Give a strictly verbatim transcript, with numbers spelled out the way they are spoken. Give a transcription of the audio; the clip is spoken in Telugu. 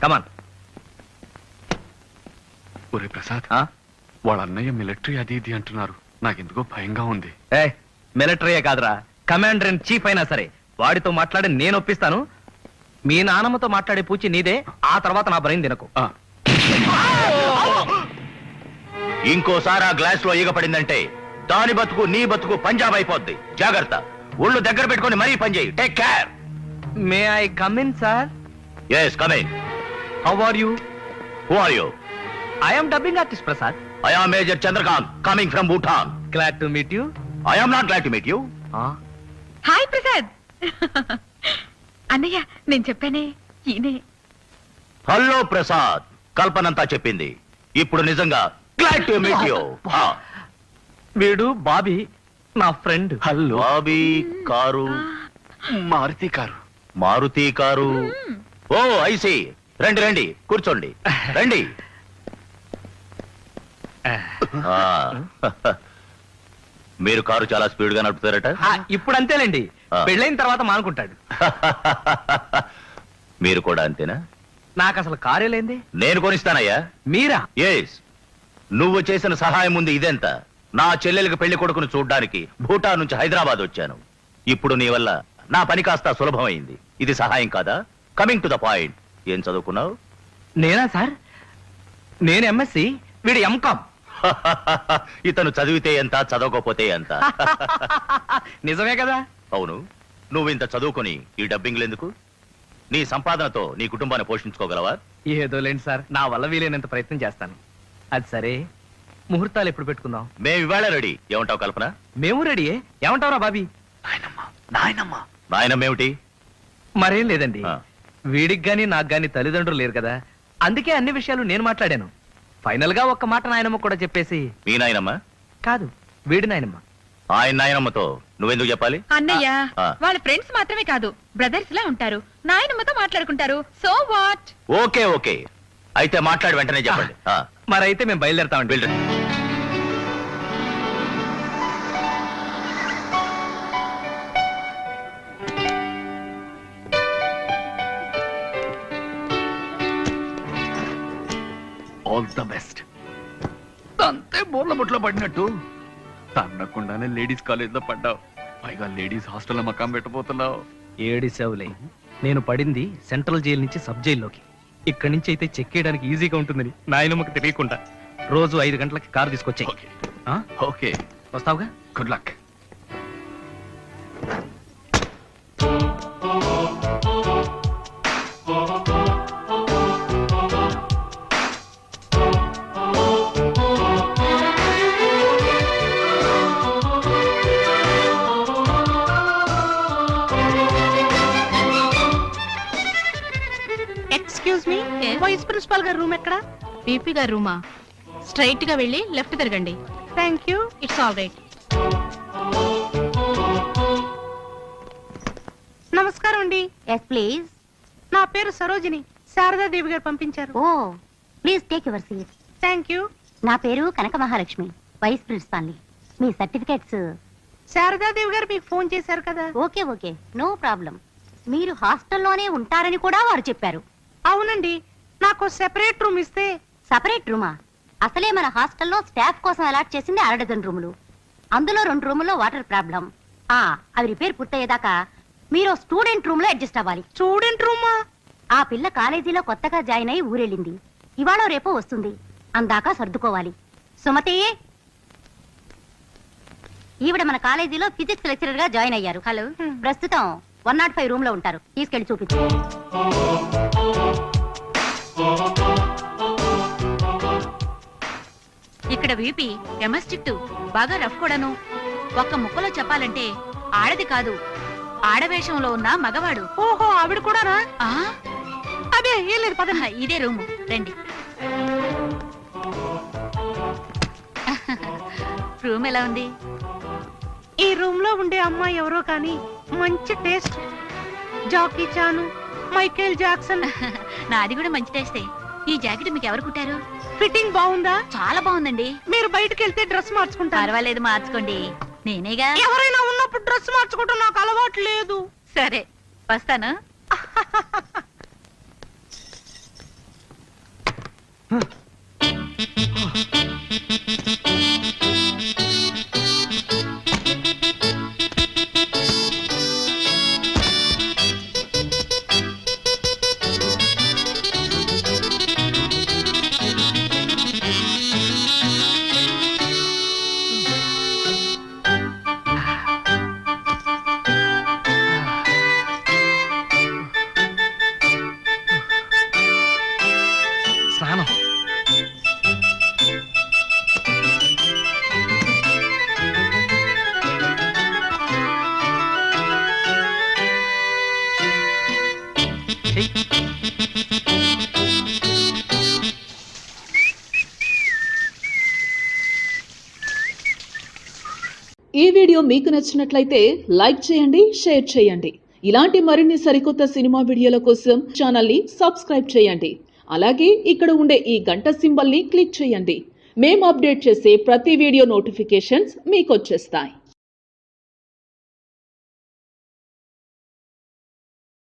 కమాన్. ఒరే ప్రసాద్, వాళ్ళ అన్నయ్య మిలిటరీ అది ఇది అంటున్నారు, నాకెందుకో భయంగా ఉంది. ఏ మిలిటరీయే కాదురా, కమాండర్ ఇన్ చీఫ్ అయినా సరే వాడితో మాట్లాడి నేను ఒప్పిస్తాను. మీ నాన్నమ్మతో మాట్లాడే పూచి నీదే, ఆ తర్వాత నా బ్రెయిన్ తినకు. ఇంకోసారి ఆ గ్లాస్ లో ఈగ పడిందంటే దాని బతుకు నీ బతుకు పంజాబ్ అయిపోద్ది. జాగ్రత్త, ఒళ్ళు దగ్గర పెట్టుకుని మరీ పని చేయి. Take care. May I come in sir? Yes, come in. How are you? Who are you? I am dubbing artist Prasad. I am major Chandrakant, coming from Bhutan. Glad to meet you. I am not glad to meet you. Hi Prasad. అన్నయ్య, నేను చెప్పానే ఈయనే. హలో ప్రసాద్, కల్పనంతా చెప్పింది. ఇప్పుడు నిజంగా గ్లాడ్ టు మీట్ యూ. వీడు బాబీ, నా friend. Hello. Bobby car, Maruti car. Maruti car. Oh I see. రండి రండి, కూర్చోండి, రండి. ఆ, మీరు కారు చాలా స్పీడ్ గా నడుపుతారట. ఇప్పుడు అంతేలేండి, పెళ్ళైన తర్వాత మానుకుంటాడు. మీరు కూడా అంతేనా? నాకు అసలు కారే లేంది. నేను కొనిస్తానయ్యా. మీరా? ఎస్. నువ్వు చేసిన సహాయం ముందు ఇదెంత? నా చెల్లెలికి పెళ్లి కొడుకును చూడ్డానికి భూటాన్ నుంచి హైదరాబాద్ వచ్చాను. ఇప్పుడు నీ వల్ల నా పని కాస్త సులభమైంది. ఇది సహాయం కాదా? కమింగ్ టు ద పాయింట్, ఏం చదువుకున్నావు? నేనా సార్? నేను ఎంఎస్సి, వీడు ఎంకామ్. ఇతను చదివితే ఎంత, చదవకపోతే ఎంత. నిజమే కదా? అవును. నువ్వు ఇంత చదువుకొని ఈ డబ్బింగ్లు ఎందుకు? నీ సంపాదనతో నీ కుటుంబాన్ని పోషించుకోగలవా? ఏదో లేండి సార్, నా వల్ల వీలైనంత ప్రయత్నం చేస్తాను. అది సరే, ముహూర్తాలు ఎప్పుడు పెట్టుకుందాం? మేము ఇవాళ రెడీ. ఏమంటావు కల్పన? మేము రెడీ. ఏమంటావురా బాబీ? నాయనమ్మ. నాయనమ్మేమిటి? మరేం లేదండి, వీడికి గాని నాకు గాని తల్లిదండ్రులు లేరు కదా, అందుకే అన్ని విషయాలు నేను మాట్లాడాను. ఫైనల్ గా ఒక్క మాట నాయనమ్మ కూడా చెప్పేసి. మీ నాయనమ్మ కాదు, వీడి నాయనమ్మ. ఆయన నాయనమ్మతో నువ్వెందుకు చెప్పాలి? అన్నయ్య, వాళ్ళ ఫ్రెండ్స్ మాత్రమే కాదు, బ్రదర్స్ లా ఉంటారు. నాయనమ్మతో మాట్లాడుకుంటారు. So what? ఓకే ఓకే, అయితే మాట్లాడి వెంటనే చెప్పండి. మరైతే మేము బయలుదేరతామండి. All the best. అంతే బోర్ల బొట్లో పడినట్టు తన్నకుండానే లేడీస్ కాలేజ్ లో పడ్డావు, పైగా లేడీస్ హాస్టల్లో మకాం పెట్టబోతున్నావు. ఏడి సేవలే, నేను పడింది సెంట్రల్ జైలు నుంచి సబ్ జైల్లోకి. ఇక్కడి నుంచి అయితే చెక్ చేయడానికి ఈజీగా ఉంటుందని నాయనమ్మకి తెలియకుండా రోజు ఐదు గంటలకి కారు తీసుకొచ్చాయి. ఓకే, వస్తావుగా? Good luck. Excuse me, vice principal గారి రూమ్ ఎక్కడ? పీపీ గారి రూమా? స్ట్రైట్ గా వెళ్ళి లెఫ్ట్ తిరగండి. Thank you. It's all right. నమస్కారం అండి. Yes please. నా పేరు సరోజిని, శారదాదేవి గారు పంపించారు. ఓ, please take your seat. Thank you. నా పేరు కనక మహాలక్ష్మి, వైస్ ప్రిన్సిపాల్ని. మీ సర్టిఫికేట్స్. శారదాదేవి గారు మీకు ఫోన్ చేశారు కదా? Okay okay, no problem. మీరు హాస్టల్లోనే ఉంటారని కూడా వారు చెప్పారు. అవునండి, నాకు సెపరేట్ రూమ్ ఇస్తే. సెపరేట్ రూమా? అసలే మన హాస్టల్లో స్టాఫ్ కోసం అలాట్ చేసింది అర డజన్ రూములు. అందులో రెండు రూముల్లో వాటర్ ప్రాబ్లం. ఆ అవి రిపేర్ పూర్తయ్యేదాకా మీరు స్టూడెంట్ రూమ్ లో అడ్జస్ట్ అవ్వాలి. స్టూడెంట్ రూమా? ఆ పిల్ల కాలేజీలో కొత్తగా జాయిన్ అయి ఊరెళ్ళింది. ఇవాళ రేపో వస్తుంది, అందాక సర్దుకోవాలి. సుమతి, ఈవిడ మన కాలేజీలో ఫిజిక్స్ లెక్చరర్ గా జాయిన్ అయ్యారు. హలో, ప్రస్తుతం వన్ నాట్ ఫైవ్ రూమ్ లో ఉంటారు. తీసుకెళ్లి చూపించు. ఇక్కడ వీపీ ఎమస్టిక్ బాగా రఫ్ కూడాను. ఒక్క ముక్కలో చెప్పాలంటే ఆడది కాదు, ఆడవేషంలో ఉన్న మగవాడు. ఓహో, ఆవిడ కూడానా? అదే ఏం లేదు, పద. ఇదే రూము, రండి. రూమ్ ఎలా ఉంది? ఈ రూమ్ లో ఉండే అమ్మాయి ఎవరో కానీ మంచి taste. Jackie Chan, Michael Jackson. నాది కూడా మంచి టేస్టే. ఈ జాకెట్ మీకు ఎవరు కుట్టారు? ఫిట్టింగ్ బాగుందా? చాలా బాగుందండి. మీరు బయటకు వెళ్తే డ్రెస్ మార్చుకుంటారు. పర్వాలేదు, మార్చుకోండి. నేనేగా. ఎవరైనా ఉన్నప్పుడు డ్రెస్ మార్చుకుంటూ నాకు అలవాటు లేదు. సరే, వస్తాను. రండి. ఈ వీడియో మీకు నచ్చినట్లయితే లైక్ చేయండి, షేర్ చేయండి. ఇలాంటి మరిన్ని సరికొత్త సినిమా వీడియోల కోసం ఛానల్ని సబ్స్క్రైబ్ చేయండి. అలాగే ఇక్కడ ఉండే ఈ గంట సింబల్ని క్లిక్ చేయండి. మేము అప్డేట్ చేసే ప్రతి వీడియో నోటిఫికేషన్స్ మీకు వచ్చేస్తాయి.